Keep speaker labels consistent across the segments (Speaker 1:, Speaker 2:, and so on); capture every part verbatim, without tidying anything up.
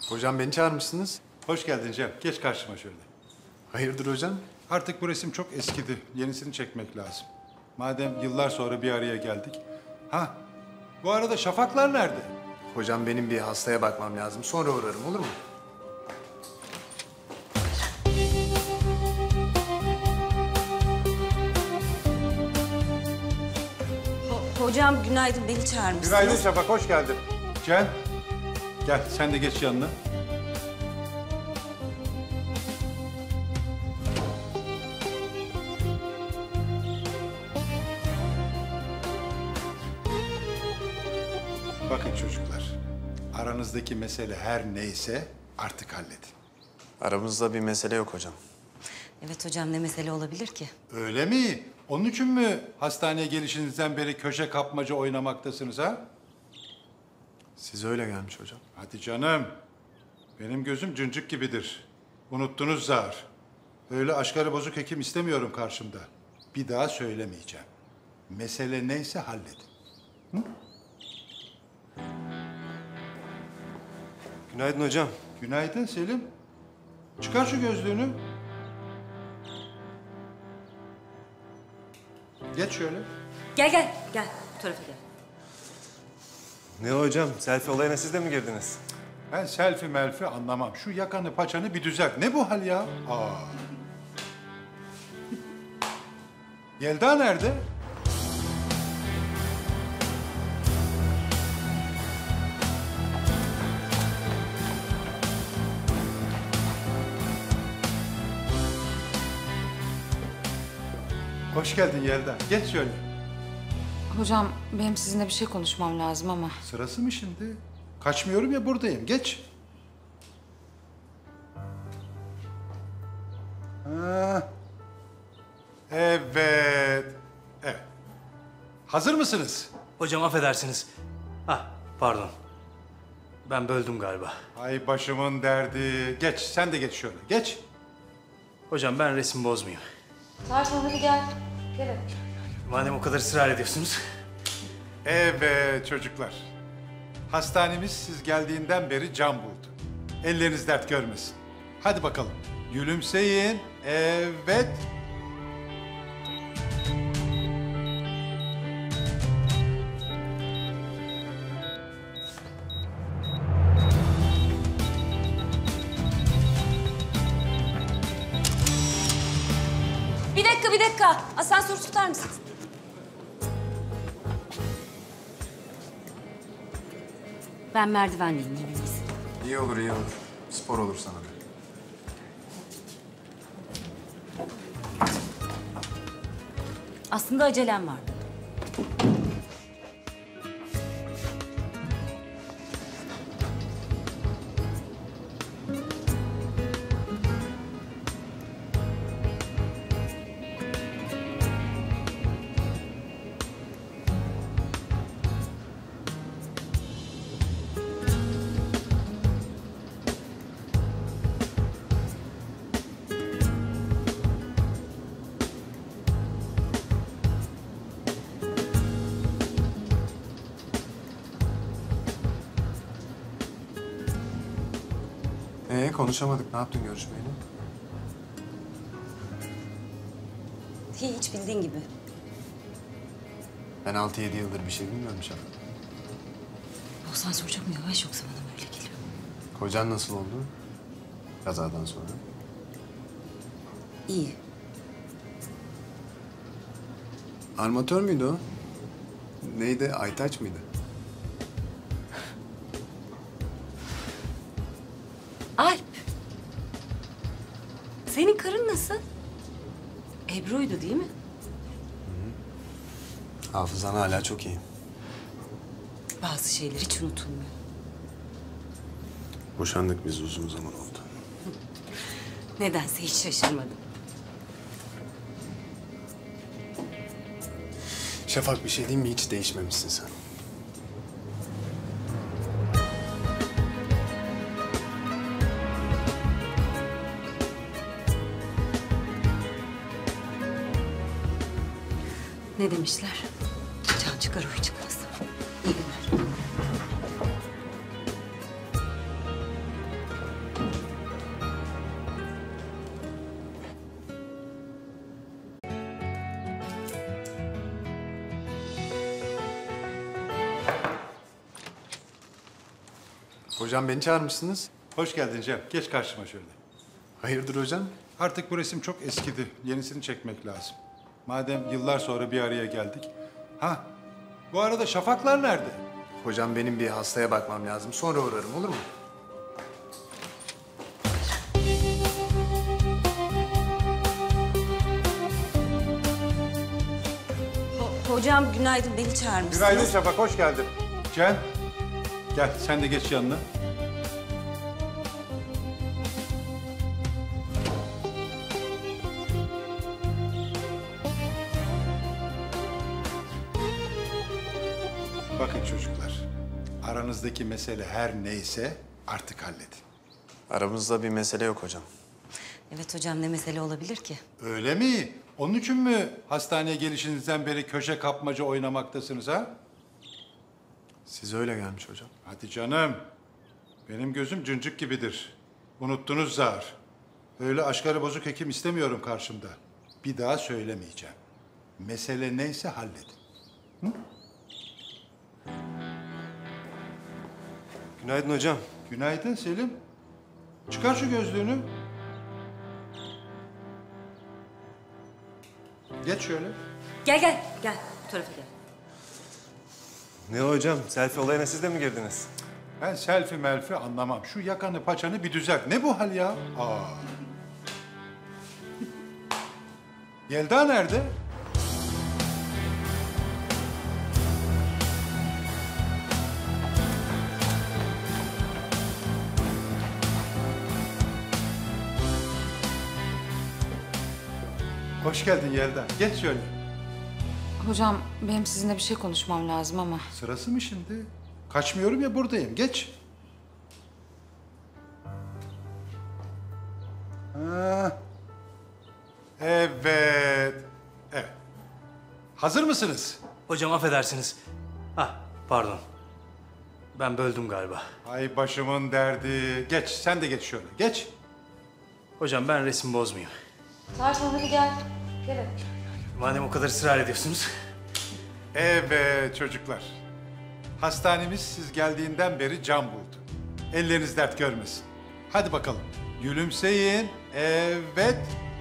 Speaker 1: Hocam beni çağırmışsınız.
Speaker 2: Hoş geldin Cem. Geç karşıma şöyle.
Speaker 1: Hayırdır hocam?
Speaker 2: Artık bu resim çok eskidi. Yenisini çekmek lazım. Madem yıllar sonra bir araya geldik. Ha, bu arada Şafaklar nerede?
Speaker 1: Hocam benim bir hastaya bakmam lazım. Sonra uğrarım, olur mu?
Speaker 3: Ho hocam günaydın, beni çağırmışsınız.
Speaker 2: Günaydın Şafak, hoş geldin. Cem, gel sen de geç yanına. Bakın çocuklar, aranızdaki mesele her neyse artık halledin.
Speaker 1: Aramızda bir mesele yok hocam.
Speaker 3: Evet hocam, ne mesele olabilir ki?
Speaker 2: Öyle mi? Onun için mi hastaneye gelişinizden beri köşe kapmaca oynamaktasınız ha?
Speaker 1: Siz öyle gelmiş hocam.
Speaker 2: Hadi canım. Benim gözüm cıncık gibidir. Unuttunuz zar. Öyle aşkarı bozuk hekim istemiyorum karşımda. Bir daha söylemeyeceğim. Mesele neyse halledin. Hı?
Speaker 4: Günaydın hocam.
Speaker 2: Günaydın Selim. Çıkar şu gözlüğünü. Geç şöyle.
Speaker 3: Gel gel, gel. Bu tarafa gel.
Speaker 4: Ne hocam? Selfie olayına siz de mi girdiniz?
Speaker 2: Ben selfie melfi anlamam. Şu yakanı paçanı bir düzelt. Ne bu hal ya? Aa. Yelda nerede? Hoş geldin Yelda. Geç şöyle.
Speaker 5: Hocam benim sizinle bir şey konuşmam lazım ama.
Speaker 2: Sırası mı şimdi? Kaçmıyorum ya, buradayım. Geç. Ha. Evet. Evet. Hazır mısınız?
Speaker 6: Hocam affedersiniz. Ha, pardon. Ben böldüm galiba.
Speaker 2: Ay başımın derdi. Geç, sen de geç şöyle. Geç.
Speaker 6: Hocam ben resim bozmayayım.
Speaker 5: Tarkan hadi gel. Gel.
Speaker 6: Madem o kadar ısrar ediyorsunuz.
Speaker 2: Evet çocuklar. Hastanemiz siz geldiğinden beri can buldu. Elleriniz dert görmesin. Hadi bakalım. Gülümseyin. Evet.
Speaker 3: Bir dakika, bir dakika. Asansör tutar mısınız? Ben merdivenliyim, en iyisi.
Speaker 1: İyi olur, iyi olur. Spor olur sana da.
Speaker 3: Aslında acelem var.
Speaker 1: Ee konuşamadık. Ne yaptın görüşmeyle?
Speaker 3: Hiç bildiğin gibi.
Speaker 1: Ben altı yedi yıldır bir şey bilmiyorum Şafak.
Speaker 3: Bu asansör çok mu yavaş, yoksa bana mı öyle geliyor?
Speaker 1: Kocan nasıl oldu? Kazadan sonra.
Speaker 3: İyi.
Speaker 1: Armatör müydü o? Neydi? Aytaç mıydı?
Speaker 3: Alp. Senin karın nasıl? Ebru'ydu değil mi?
Speaker 1: Hafızan hala çok iyi.
Speaker 3: Bazı şeyler hiç unutulmuyor.
Speaker 1: Boşandık biz, uzun zaman oldu.
Speaker 3: Nedense hiç şaşırmadım.
Speaker 1: Şafak, bir şey diyeyim mi? Hiç değişmemişsin sen.
Speaker 3: Ne demişler? Can çıkar, huy çıkmaz. İyi günler.
Speaker 1: Hocam beni çağırmışsınız.
Speaker 2: Hoş geldin Cem. Geç karşıma şöyle.
Speaker 1: Hayırdır hocam?
Speaker 2: Artık bu resim çok eskidi. Yenisini çekmek lazım. Madem yıllar sonra bir araya geldik. Ha, bu arada şafaklar nerede?
Speaker 1: Hocam benim bir hastaya bakmam lazım. Sonra uğrarım, olur mu?
Speaker 3: Ho- hocam günaydın, beni çağırmışsınız.
Speaker 2: Günaydın Şafak, hoş geldin. Cem, gel sen de geç yanına. Bakın çocuklar, aranızdaki mesele her neyse artık halledin.
Speaker 1: Aramızda bir mesele yok hocam.
Speaker 3: Evet hocam, ne mesele olabilir ki?
Speaker 2: Öyle mi? Onun için mi hastaneye gelişinizden beri köşe kapmaca oynamaktasınız ha?
Speaker 1: Size öyle gelmiş hocam.
Speaker 2: Hadi canım. Benim gözüm cıncık gibidir. Unuttunuz zar. Öyle aşkarı bozuk hekim istemiyorum karşımda. Bir daha söylemeyeceğim. Mesele neyse halledin.
Speaker 4: Günaydın hocam.
Speaker 2: Günaydın Selim. Çıkar şu gözlüğünü. Geç şöyle.
Speaker 3: Gel gel, gel. Bu tarafa gel.
Speaker 4: Ne o hocam? Selfie olayına siz de mi girdiniz?
Speaker 2: Ben selfie melfi anlamam. Şu yakanı paçanı bir düzelt. Ne bu hal ya? Aa. Yelda nerede? Hoş geldin Yelda. Geç şöyle.
Speaker 5: Hocam benim sizinle bir şey konuşmam lazım ama.
Speaker 2: Sırası mı şimdi? Kaçmıyorum ya, buradayım. Geç. Ha. Evet. Evet. Hazır mısınız?
Speaker 6: Hocam affedersiniz. Ah pardon. Ben böldüm galiba.
Speaker 2: Ay başımın derdi. Geç, sen de geç şöyle. Geç.
Speaker 6: Hocam ben resim bozmayayım.
Speaker 5: Tarkan hadi gel. Gel hadi.
Speaker 6: Madem o kadar ısrar ediyorsunuz.
Speaker 2: Evet çocuklar. Hastanemiz siz geldiğinden beri can buldu. Elleriniz dert görmesin. Hadi bakalım. Gülümseyin. Evet.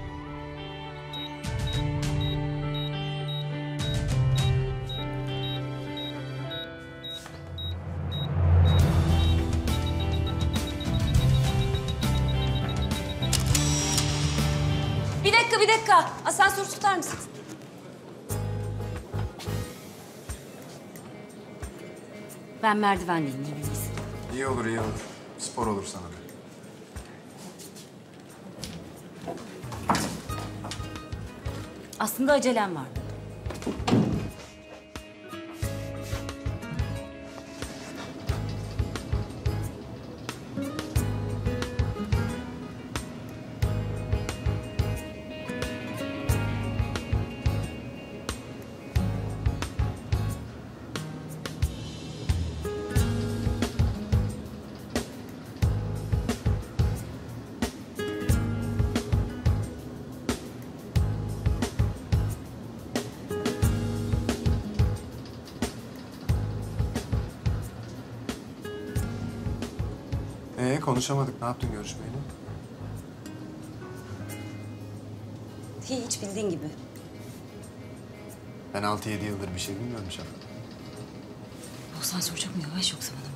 Speaker 3: Bir dakika, bir dakika. Asansör tutar mısınız? Ben merdivendeyim, iyi miyiz?
Speaker 1: İyi olur, iyi olur. Spor olur sana da.
Speaker 3: Aslında acelem var.
Speaker 1: Ee konuşamadık. Ne yaptın görüşmeyle?
Speaker 3: Hiç bildiğin gibi.
Speaker 1: Ben altı yedi yıldır bir şey bilmiyorum Şafak.
Speaker 3: Bu asansör çok mu yavaş yoksa bana mı?